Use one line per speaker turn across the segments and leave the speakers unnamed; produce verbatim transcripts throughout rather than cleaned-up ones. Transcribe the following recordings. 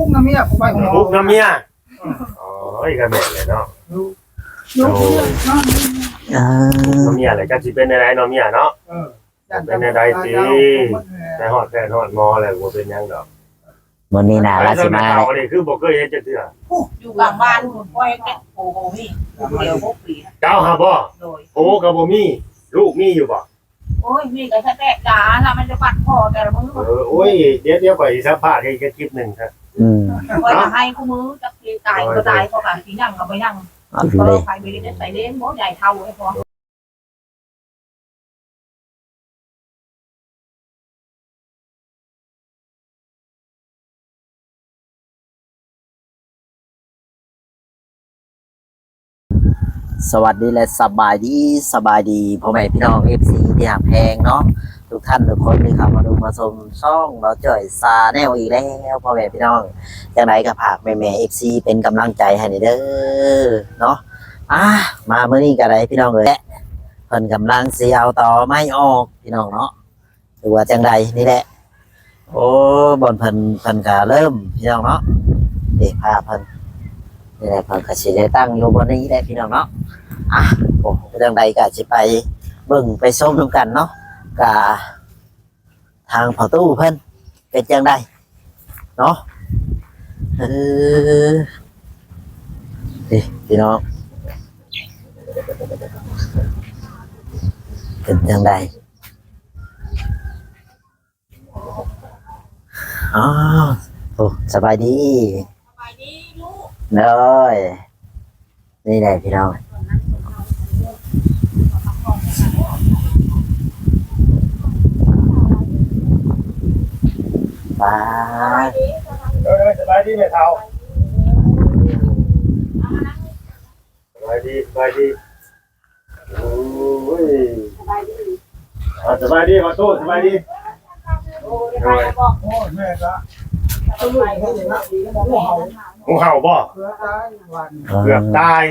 น้ำเมียผมไปของ
ปุ๊กน้ำเมียอ๋ออีกแม่เลยเนาะ
ลูกลูกน้อง
เออ
น้ำเมียอะไรก็สิเป็นอะไรน้ำเมียเนาะ
เออ
เป็นอะไรสิแต่ฮอดแฟนฮอดมออะไรบ่เป็นหยังดอก
วันนี้น่ะราสิมา
เขานี่คือบ่เคยเห็นจักเทื่อ
อยู่กลางบ้านคุณพ่อยแก่โอ้โหนี่เดียวพวกปี
เจ้าหาบ่
โดย
โอ้ก็บ่มีลูกมีอยู่บ่
โอ้ยมีแต่แค่แตกจ๋าแล้วมันจะปัดคอแต่ละมือ
เออโอ้ยเดี๋ยวเดี๋ยวไปสัมภาษณ์ให้แค่คลิปนึงครับ
อืม
คอยให้คู่มือจะตายก็ตายเพราะการที่นั่งก็ไม่นั่ง
เอา
ก็
เลย
ใครไม่ได้ใส่เล่นโม้ใหญ่เท่าไอ้พอ
สวัสดีและสบายดีสบายดีพ่อแม่พี่น้อง เอฟ ซี ที่หักแพงเนาะทุกท่านทุกคนที่เข้ามาดูมาชมช่องเราจ่อยซาแนลอีกแล้วพ่อแม่พี่น้องจังไดก็ฝากแม่แม่ เอฟ ซี เป็นกำลังใจให้เด้อเนาะอ่ะมาเมื่อนี้ก็ได้พี่น้องเอ้ยเพิ่นกำลังสิเอาต่อไม่ออกพี่น้องเนาะหรือว่าจังใดนี่แหละโอ้บ่อนเพิ่นเพิ่นก็เริ่มพี่น้องเนาะเด็กพาเพิ่นนี่แหละเพิ่นก็สิได้ตั้งอยู่บนนี้แหละพี่น้องเนาะอ่ะโอ้จังใดก็สิไปเบิ่งไปชมนำกันเนาะกะทางพ่อตู้เพิ่นเป็นจังใดเนาะเออนี่พี่น้องเป็นจังใดอ๋อโอ้สบายดี
สบายดีลูก
เลยนี่แหละพี่น้องบาย
เออสบายดีแม่เฒ่าสบายดีสบายดีโอ้ย
สบายดี
อ่าสบายดีขอโทษสบายดี
โอ้ยใครบอก
โอ้แม่ก็
สบายดีนะหัวเห่า
งูเห่าบ่
เพื่อได้วัน
เกือบตาย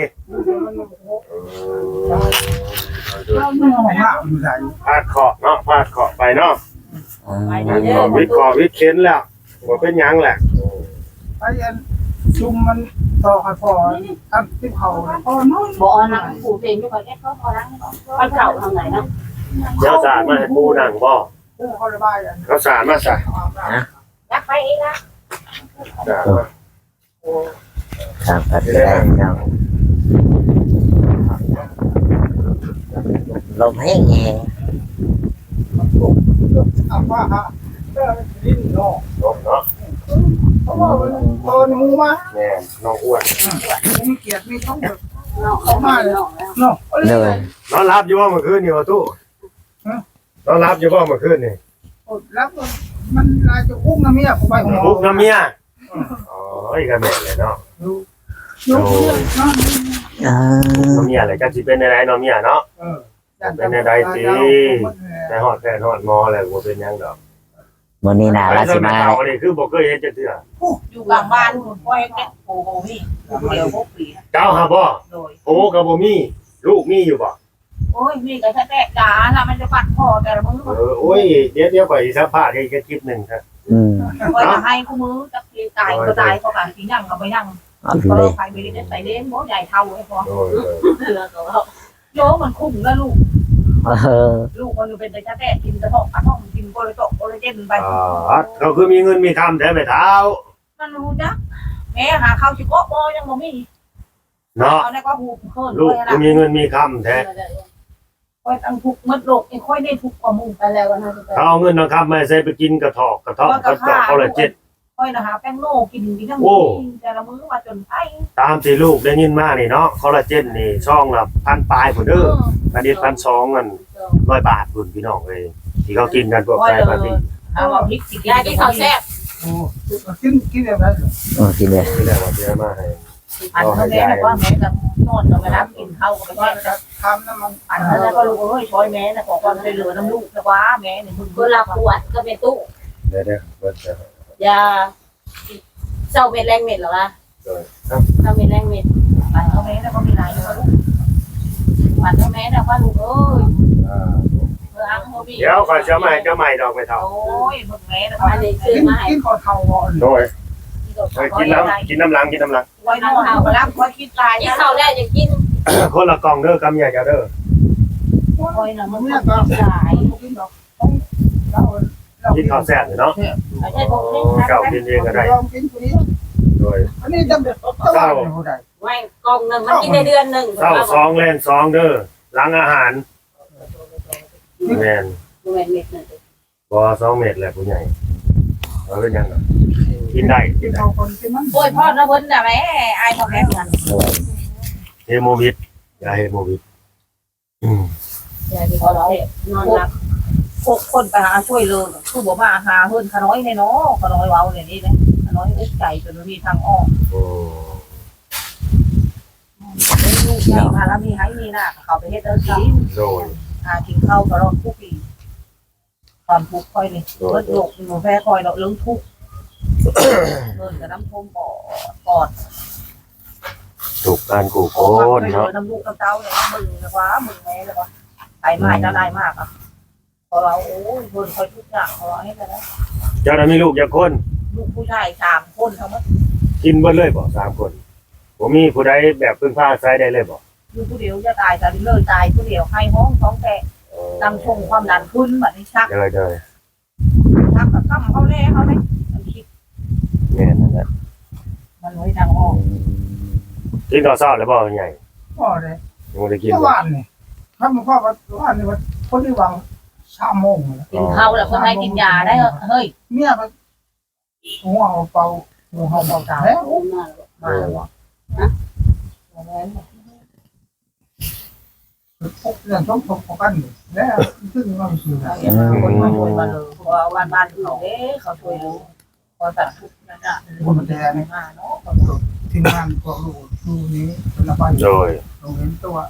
เราเมื่อของหน้ามันใส่
พาดเคาะเนาะพาดเคาะไปเนาะ
อืม
เคาะวิเคราะห์วิเค้นแล้วบ่เป็นหยังแหละ
ไอ้อันจุ่มมันต่อคอยพออันที่เขาพอน้อย
บอกนังผูเพลงไม่ค่อยแค่เขาพอนังมันเก่าทางไหนนะ
เดี๋ยวสารมาให้ปูนั่งบ่
ผู้เขาระบายอัน
เขาสารมาซะ
อยากไปเองนะ
สารมา
ทางปัดก็ได้พี่น้องลมแห้งแห้ง
เอาว่าฮะเออดิ้นนอก
ลงเนาะ
เพราะว่ามันโตนมูมา
แม่น้องอ้วน
มีเกียรติมีต้องแบบ
เขามาเลย
เนาะ
เลย
นอนรับอยู่บ่เมื่อคืนนี่ว่าตู้นอนรับอยู่บ่เมื่อคืนนี่
แล้วมันลายจะอุ้มน้ำเมียผมไปของ
ปุ๊กน้ำเมียอ๋ออีกแม่เลยเนาะ
ลูกลูกน้อง
เออ
น้ำเมียอะไรก็สิเป็นอะไรน้ำเมียเนาะ
เออ
แต่ฮอดแฟนฮอดมออะไรบ่เป็นหยังดอก
วันนี้น่ะราสิมา
เขานี่คือบ่เคยเห็นจักเทื่อ
อยู่กลางบ้านคุณพ่อยแก่โอ้โหนี่เดียวพวกปี
เจ้าหาบ่
โดย
โอ้ก็บ่มีลูกมีอยู่บ่
โอ้ยมีแต่แค่แตกจ๋าแล้วมันจะปัดคอแต่ละมือ
เออโอ้ยเดี๋ยวเดี๋ยวไปสัมภาษณ์ให้แค่คลิปนึงครับ
อืม
คอยให้คู่มือจะตายก็ตายเพราะการที่นั่งก็ไม่นั่ง
เอา
ก็
เลย
ใครไม่ได้ใส่เล่นโม้ใหญ่เท่าไอ้พอ
โอ้ย
โยมันคุ้มแล้วลูก
เออ
ลูกมันเป็นแต่แท้กินกระทอกกระทอกกินโกเลยโตโกเลยเจ็บไป
อ่าเขาคือมีเงินมีคำแท้ไม่เท้า
มันรู้จักแม่หาข้าวชิโก้โบยังบ่มี
เนาะ
เอาในก็หูเพิ่น
ลูก
เลย
คือ
นะ
มีเงินมีคำแท้
ค่อยตั้งทุกมัดโลกยังค่อยได้ทุกกว่ามึงไปแล้วนะ
เขาเอาเงินเอาคำมาใส่ไปกินกระทอกกระทอกกระจอกเขาละเจ็ด
ค่อยนะหาแป้งโลกินดีทั้งแต่ละมื้อมาจนไอ้
ตามที่ลูกได้ยินมานี่เนาะคอลลาเจนนี่ช่องละพันปลายพุ่นเด้อพันนิดพันสองกันร้อยบาทพุ่นพี่น้องเอ้ยที่เขากินกันพวกไก่ปาร์ตี้
เอาว่าพริกสิยายที่เขาแซ่บ
โอ้กินกินแบบนั้น
เออกินเลย
นี่แหละว่าเสียมาให้
อันเขาแม่ก็แม่กับนอนกับแม่น้ำกินข้าวกับแม่
จะทำน้ำมัน
อันนั้นก็ลูกเอ้ยช่วยแม่นะขอความช่วยเหลือน้ำลูกนะว่าแม่เนี่ยมึง
เวลาปวดก็เป็นตู้
เดี๋ยวเดี๋ยวเบิดจะ
ยาเจ้าเม็ดแรงเม็ดเหรอวะ
โดยครับ
เจ้าเม็ดแรงเม็ด
อันเขาแม่นะก็มีหลายลูกอันเขาแม่นะว่าลูกเอ้ย
อ่า
เมื่ออังเขาบี
เดี๋ยวก่อนจะใหม่จะใหม่ดอกไปเท่า
โอ้ยมึงแม่นะ
อันนี้ซื้อ
กิน
มาให้
กินขอเท่าก่อน
โดย
ที่
เฮ้ยกินน้ำกินน้ำลังกินน้ำลัง
ไว้นอนเอารับไว้คิดตาย
กินข้าวแล้วจะกิน
คนละกล่องเด้อกำใหญ่เจ้าเด้อ
คอยน่ะมัน
เนี่
ก็
ยก็
ตาย
กินดอกเราเรา
กินข้าวแซ่บเนาะ
ไม่ใช่พวกนี้
เก่ากินเองก็ได้
ลองกินคนนี้
โดย
อันนี้จำเป็นต้องว่าผู้ใด
ไว้กล่องหนึงมันกินได้เดือนหนึง
เช้าซองแล่นซองเด้อหลังอาหารแม่น
แม่นเม็ดนึง
บ่สองเม็ดแหละผู้ใหญ่เอาเป็นยังไงกินได้
กินเอาคนกินมัน
โอ้ยพ่อนะเพิ่นน่ะแม่อายพ่อแม่กัน
เฮโมวิดยาเฮโมวิดอืม
อย่าที่เขานอนหลับ
พวกคนไปหาช่วยเลยคือบ่มาหาเพิ่นขน้อยในเนาะขน้อยเว้าเนี่ยนี่นะขน้อยอุกใจจนมีทางออก
โอ้
ลูกใหญ่มาแล้วมีให้มีหน้าเขาไปเฮ็ดเอากิน
โดย
หากินข้าวตลอดทุกปีความทุกข์ค่อยนี่เบิดโลกมีหมอแพ้คอยดอกเรื่องทุกข์เพิ่นก็น้ำท่วมปอดปอด
ถูกการกูโกนเนาะ
น้ำลูกน้ำเต้าเนี่ยมึงนะวะมึงแม่นะวะไอ้ไม้จะได้มากอ่ะพอเราโอ้ยเพิ่นคอยทุกอย่างเขาให้กันนะ
เจ้าน่ะมีลูกจักคน
ลูกผู้ชายสามคนทั้งหมด
กินเบิดเลยบ่สามคนบ่มีผู้ใดแบบพึ่งพาอาศัยได้เลยบ่
อยู่ผู้เดียวจะตายแต่เลยตายผู้เดียวให้ห้องท้องแตกนำชงความดันขึ้นแบบนี้ชัก
เด้อเด้อ
ชักกับตั้มเขาแน่เขาเลยมันคิด
แม่นนั่นแหละ
มันไว้ดังออก
กินข้าวเช้าแล้วบ่ใหญ่
พ่อเลย
ยังบ่ได้กิน
เมื่อวานนี่ถ้ามันพ่อว่าวันนี้ว่าคนที่วางชาโมงเลย
กินข้าวแล้วก็ให้กินยาได้เฮ้ย
เมียมันหัวเอาเป่าหัวเอาเป่าตาแล้ว
มาแล้ว
มาแล้ววะ
พกเรื่องชกชกกันแล้วซึ่งมันคือ
คนมาช่วยมาเลยเพราะว่าบ้านบ้านเขาเอ๊ะเขาช่วยรู้พอตัดทุกนั่นอ่ะ
คนแดง
มาเนาะ
ทีมงานพวกลูกดูนี้เป็นระบาย
โดย
ลงเห็นตัว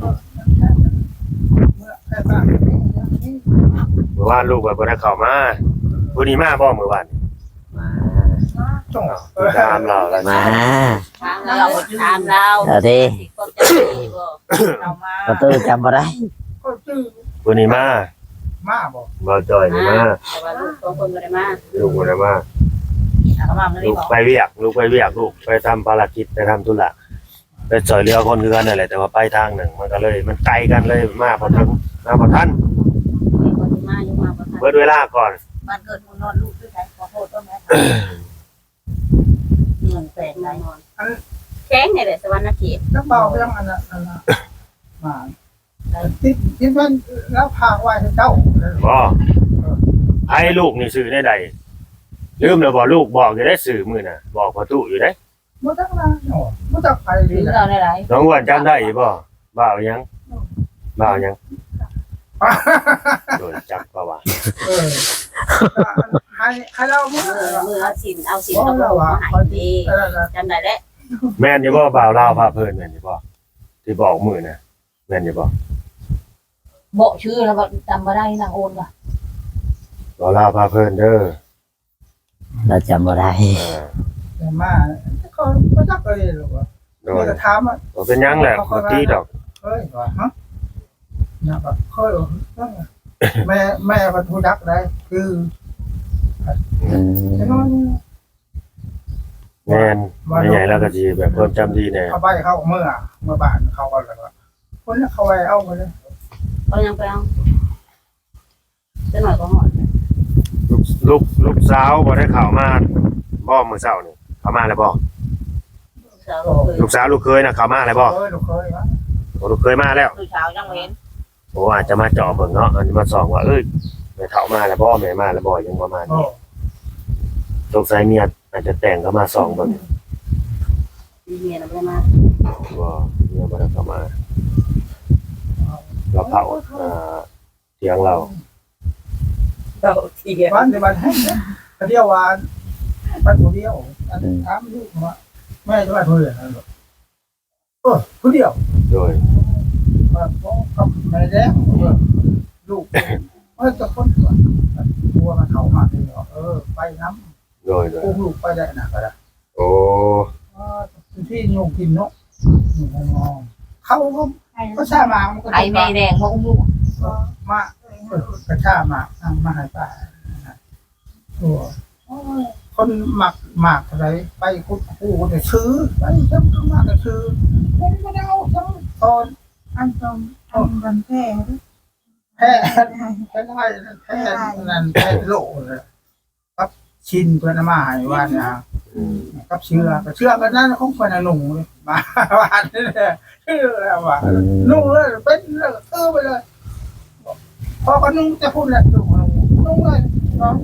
เมื่อแค่บ้าน
เมื่อวานลูกก็บ่ได้เข้ามาผู้นี้มาบ่เมื่อวาน
มา
จ้อง
ตามเราแล้ว
มา
ทางเราทางเรา
เอาดิ
ก็จะดีบ่
เรามา
ประตูจำบ่ได้
ก็ชื่อ
ผู้นี้มา
มาบอก
บ่จอยนี่มา
แต่ว่าลูกสองคนบ่ได้มา
ลูกบ่ได้มา
เขามาไม่ได้
ลูก
บอก
ไปเวียกลูกไปเวียกลูกไปทำภารกิจไปทำธุระไปช่วยเหลือคนคือกันนั่นแหละแต่ว่าไปทางหนึ่งมันก็เลย มันไกลกันเลยมาพอถึงมาพอทัน
มีคนที่มาอยู่มาบ่ทัน
เบิดเวลาก่อน
บ้านเกิดมูลนอนลูกด้วยกันขอโทษด้วยแม่
เงินแปลกหลายนอนแข้งนี่แหละสวรรค์เขต
แล้วเบาเรื่องอันนั้นอันนั้นมาติดติดมันแล้วพาไว้ให้เจ้า
บ่ให้ลูกนี่สื่อได้ใดลืมแล้วบ่ลูกบอกอยู่ได้สื่อมื้อน่ะบอกพอตู้อยู่ได้
ไม่ต้องนะเนาะไม่ต้องไป
ห
เล
รื
ย
อเราในไร
น้องอ้วนจำได้อยู่บ่บ่าวยังบ่าวยังโดนจับบ่ว่า
เออให้ให้เราเมื่อ
มือมือเอาสินเอาสิน
เพ
เอา
ราะ
โล
เรา
ก
ว่า
มาให้ดี
เออ
จำได้แล้ว
แม่นอยู่บ่บ่าวลาวพาเพิ่นแม่นอยู่บ่ที่บอกมื้อน่ะแม่นอยู่บ่
บอกชื่อแล้วก็จำมาได้นางโอนว่ะ
บ่าวลาวพาเพิ่นเด้อ
เราจำบ่ได้
เออ
แต่มาเขาไม่ต้องเลยหรอกว่า
โด
เมื่
ย
อถามอ่ะ
บ่เป็นหยังแหละบ่ตีดอก
เฮ้ยว่าฮะเนี่ยแบบเคยแม่แม่พันธุดักได้คือ
อืม
ใช่ไหม
แม่นไม่ใหญ่แล้วก็สิแบบความจำดีแน่
เขาไปเข้าเมื่อเมื่อบ้านเขาก็เลยว่าคนนี้เขาไปเอาไปเลย
ก็ยังไปเอาจะหน่อยก็หอด
ลูกลูกลูกสาวบ่ได้เข้ามาบ่มื้อเช้านี่เข้ามาแล้วบ่
สาวก็เคย
ลูกสาวลูกเคยน่ะเข้ามาแล้วบ่
เคยลูกเคยวะ
โอ้ลูกเคยมาแล้ว
คือเช้ายังเว้น
โอ้อาจจะมาเจาะเบิ่งเนาะอันนี้มาส่องว่าเอ้ยแม่เฒ่ามาแล้วบ่แม่มาแล้วบ่ยังประมาณ
โอ้
นี้สงสัยเมียอาจจะแต่งเข้ามาส่องเบิ่ง
มีเมียแล้วไม่ได้มา
บ่เมียบ่ได้เข้ามาเราเผาอ่าเถียงเรา
เราเทีย
บ้านในบ้านให้เนี่ยเดียววันบ้านคนเดียวถามลูกว่าแม่จะไปเพื่อนนั่นหรอเออคนเดียว
โดย
ว่าเขาแม่แดงลูกเออจะคนตัวตัวมันเขามาเลยเออไปน้ำ
โดยโดย
อุ้มลูกไปได้นะก็ได้
โอ้
ที่โยงกินเนาะเขาก็ก็ชามา
ไอ้แม่แดงมาอุ้มลูก
มากระชามามาหายป่าตัวคคนหมักหมักอะไรไปคุดคู่เนี่ยซื้อไปจำต้องมากก็ซื้อไม่ได้เอาจังตอนอันตอนตอนกันแพ้แพ้แพ้ได้แพ้นั่นแพ้โลเลยครับชินเพื่อนมาให้ว่านะกับเชื่อก็เชื่อกันนั่นของคนหนุ่มมาว่าเนี่ยชื่ออะไรวะนุ่งเลยเป็นเลยเออไปเลยพอก็นุ่งจะพูดแหละนุ่งนุ่งเลยน้อง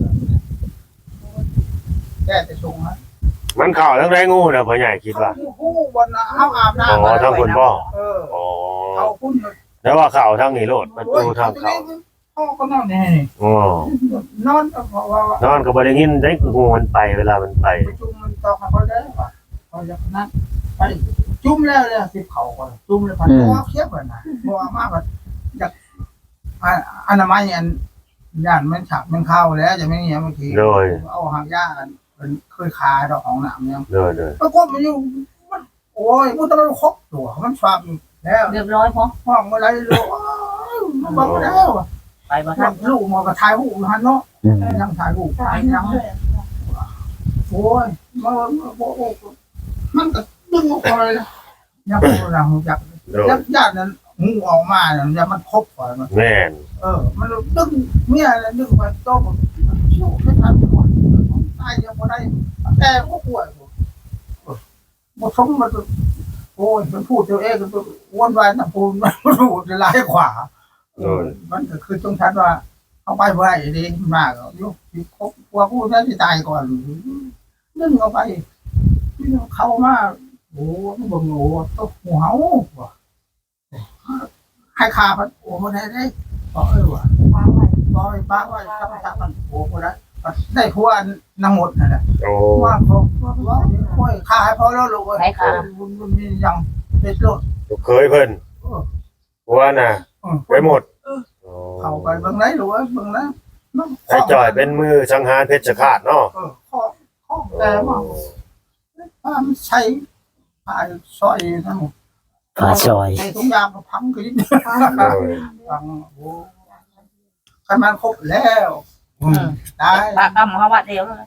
แก่จะสูงนะ
มันเข้าทั้งได้งูนะพ่อใหญ่คิดว่า
คู่บนเอาอาบน้ำ
อ๋อทั้งคุณพ่อ
เออ
อ๋อ
เขาคุณ
แล้วว่าเข้าทั้งนี้โลดประตูทางเข้า
พ่อก็นอนนี่
อ๋อน
อนเพราะว่าน
อนก็บ่ได้ยินได้งูมันไปเวลามันไป
ประชุมมันต่อเขาได้ป่ะเขาจะนั่งไปจุ่มแล้วเลยสิบเขาก่อนจุ่มเลยพันเพราะว่าเคียบเลยนะเพราะว่ามากแบบอยากอนามัยอันย่านมันฉับมันเข้าแล้วจะไม่เงี้ยบางทีเอาหางย่าเป็นเคยคาดอกของหนามยัง
เด้อเด้อ
แล้วก็มันอยู่มันโอ้ยมันต้องครบตัวมันฟังแล้ว
เรียบร้อยพอ
ห้องอะไรลูกมันบอกแล้ว
ไปบ่ทัน
ลูกมันก็ถ่ายหูหันเนาะยังถ่ายหูถ่ายยังโอ้ยมันมันก็ดึงออกไปเลยยังเราอยาก
เด้อ
ยักญาตินั้นงูออกมาเนี่ยยังมันครบก่อนมัน
แม่น
เออมันดึงเมียแล้วดึงไปโตมันเชี่ยวไม่ทันหมดตายยังไม่ได้แต่ก็ป่วยหมดสมมันโอ้ยมันพูดตัวเองมันวนวายนะพูดมันพูดจะไล่ขวามันก็คือตรงชั้นว่าเอาไปบ่ได้ดีมากยุคครบกลัวพูดนั้นที่ตายก่อนนึ่งเอาไปเข้ามาโอ้บ่งโอ้ตกหัวเห่าให้ขาพันโอ้บ่ได้ได้บอกเออว่ะป้าไว้ป้าไว้ป้าไว้จับจับมันโอ้บ่ได้ได้พวกนางหมดนั่นแหละ
โอ้
ว่าเขาว่าโอ้ยขาให้พอแล้วลูกเอ้ย
ไหนค่ะ
มันมียังเด็ดโลด
ลูกเคยเพิ่นผัวน่ะไปหมด
เข้าไปเบิ่งไหนลูกเอ้ยเบิ่งนะ
ไอ้จ่อยเป็นมือสังหารเพชรฆาตเนาะ
เออข้อข้อแต่ว่าถ้ามันใช้ผ้าซอยนั่น
ปลาซอย
ใช้ทุกอย่างก็พังขึ้นฟังโอ้คันมันครบแล้วได้
ปากกำเขาว่าเดียวเลย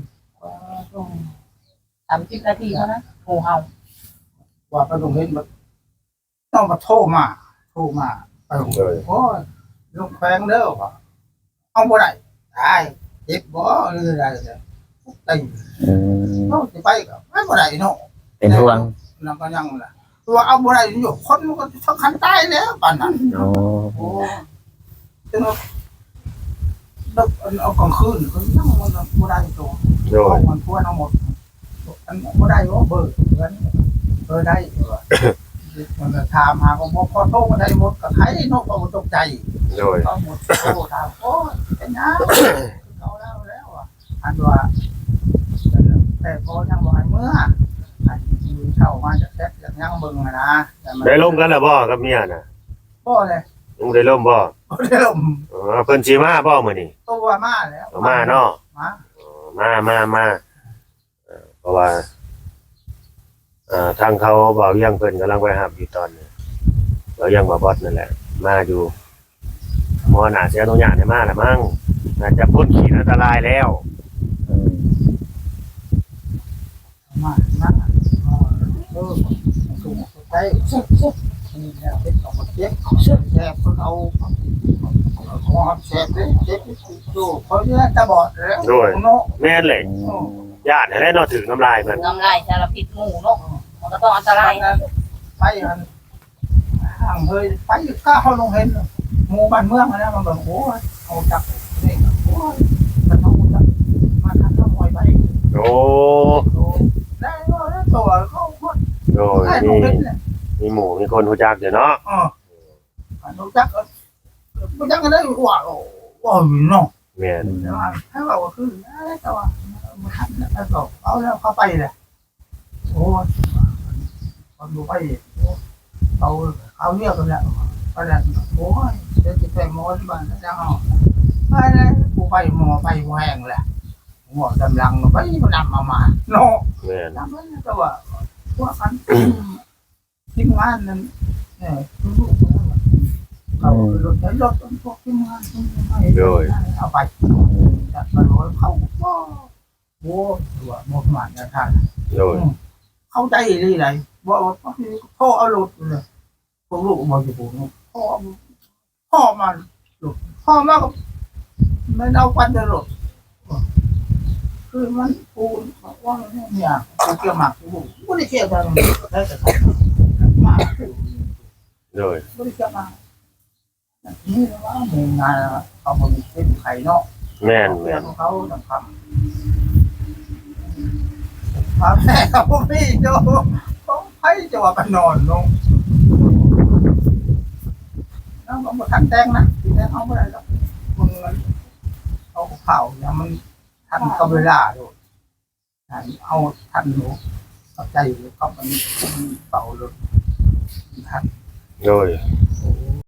สามสิบนาทีเท่านั้นงูเห่า
ว่าไปตรงนี้มันต้องมาโทรมาโทรมาไปโอ้ยลูกแพงเด้อว่ะเอาบ่ได้ได้เจ็บบ่หรืออะไรเนี่ยได้
อืม
เราสิไปก็ไม่บ่ได้เนาะ
เป็นห่วง
นั่นก็ยังล่ะตัวเอาบ่ได้อยู่คนมันก็สำคัญตายแล้วปานนั้น
โอ้
โอ้จังว่าดอกเอากลางคืนก็ยังมันบ่ได้ตัว
โดย
มันทั่วทั้งหมดอันบ่ได้ว่าเบิดเงินเออได้ว่ามันก็ถามหาก็บ่พอโทรมาได้หมดก็ใครเนาะก็บ่ตกใจ
โดย
ก็หมดโทรถามโอ้ยเป็นหยังเอาแล้วแล้วอ่ะอันว่าแต่พอยังบ่ให้เมื่ออันมีเข้ามาจากแซ่บจากยังเบิ่งนะ
ได้ล่มกันแล้วบ่กับเมียน่ะ
บ่เลย
ยังได้ล่มบ่
บ่ได้ลม
อ๋อเพิ่นสิมาบ่มื้อนี้
ตัวมาแล้ว
มาเนาะ
มา
มามามาเอ่อเพราะว่าเอ่อทางเขาเบาเยี่ยงเพิ่นกำลังไปหับอยู่ตอนนี้เบาเยี่ยงบ่บอสนั่นแหละ มาอยู่หมอหน้าเสียอนุญาตให้มาแล้วมั้งน่าจะพ้นขีดอันตรายแล้ว
อืม
มามาเออสูงไปสุดสุดนี่แหละเป็นของเจ็บแซ่บคนเอาของแซ่บเลยเจ็บดูเขาเนี่ยตาบอดแล้วเนาะ
แม่นเลยญาติให้ได้เนาะถึงน้ำลายเพิ่น
น้ำลายสารพิษงูเนาะมันก็ต้องอันตราย
ไปอันห่างเฮยไปก้าวลงเห็นหมู่บ้านเมืองนะมันแบบโอ้ยเอาจับนี่โอ้ยมันเอาจับมาทำน้ำมวยไป
โอ้
ได้ก็ได้ตัวเขาคน
โดย
ได้ล
มี
งเห็นเลย
มีหมู่มีคนรู้จักอยู่เนาะ
อ๋อรู้จักรู้จักกันได้ว่าว่าเนาะ
แม่น
แต่ว่าถ้าเราคืออะไรแต่ว่ามันทำแล้วก็เอาแล้วเข้าไปเลยโอ้ยมันดูไปเอาเอาเรียกกันแล้วก็แล้วโอ้ยเดี๋ยวจะไปหมอที่บ้านแล้วจะเอาไปเลยกูไปหมอไปแหวงแหละหัวดำลังไปมันนำมามาเนาะ
แม่น
นำมาแต่ว่าพวกกันทีมงานนั้นเนี่ยลูกเขารถรถพวกทีมงานเอาไปจัดมาโดนเขาก็โอ้ตัวหมดหมานยาทาน
โดย
เข้าใจเลยไรว่าพ่อเอาหลุดเลยพวกลูกมาอยู่ผมพ่อพ่อมาหลุดพ่อมาก็ไม่เอาควันจะหลุดคือมันปูนว่าเนี่ยปูเกี่ยวหมากปูไม่ได้เกี่ยวกันได้แต่หมาก
โดย
ไม่ได้เกี่ยวมานี่ว่ามีงานเขาบริเป็นไข่เนาะ
แม่น
เพื่
แม่
อน
น
เขาทำพาแม่เขาพี่โจต้องให้จะว่ากันนอนลงแล้วมันมาทันแตงนะทีแรกเขาไม่ได้หรอกมึงเอาเผาเนี่ยมันทันกับเวลาด้วยเอาทันหนูเอาใจก็มันเป่าเลยทัน
โดย
โอ้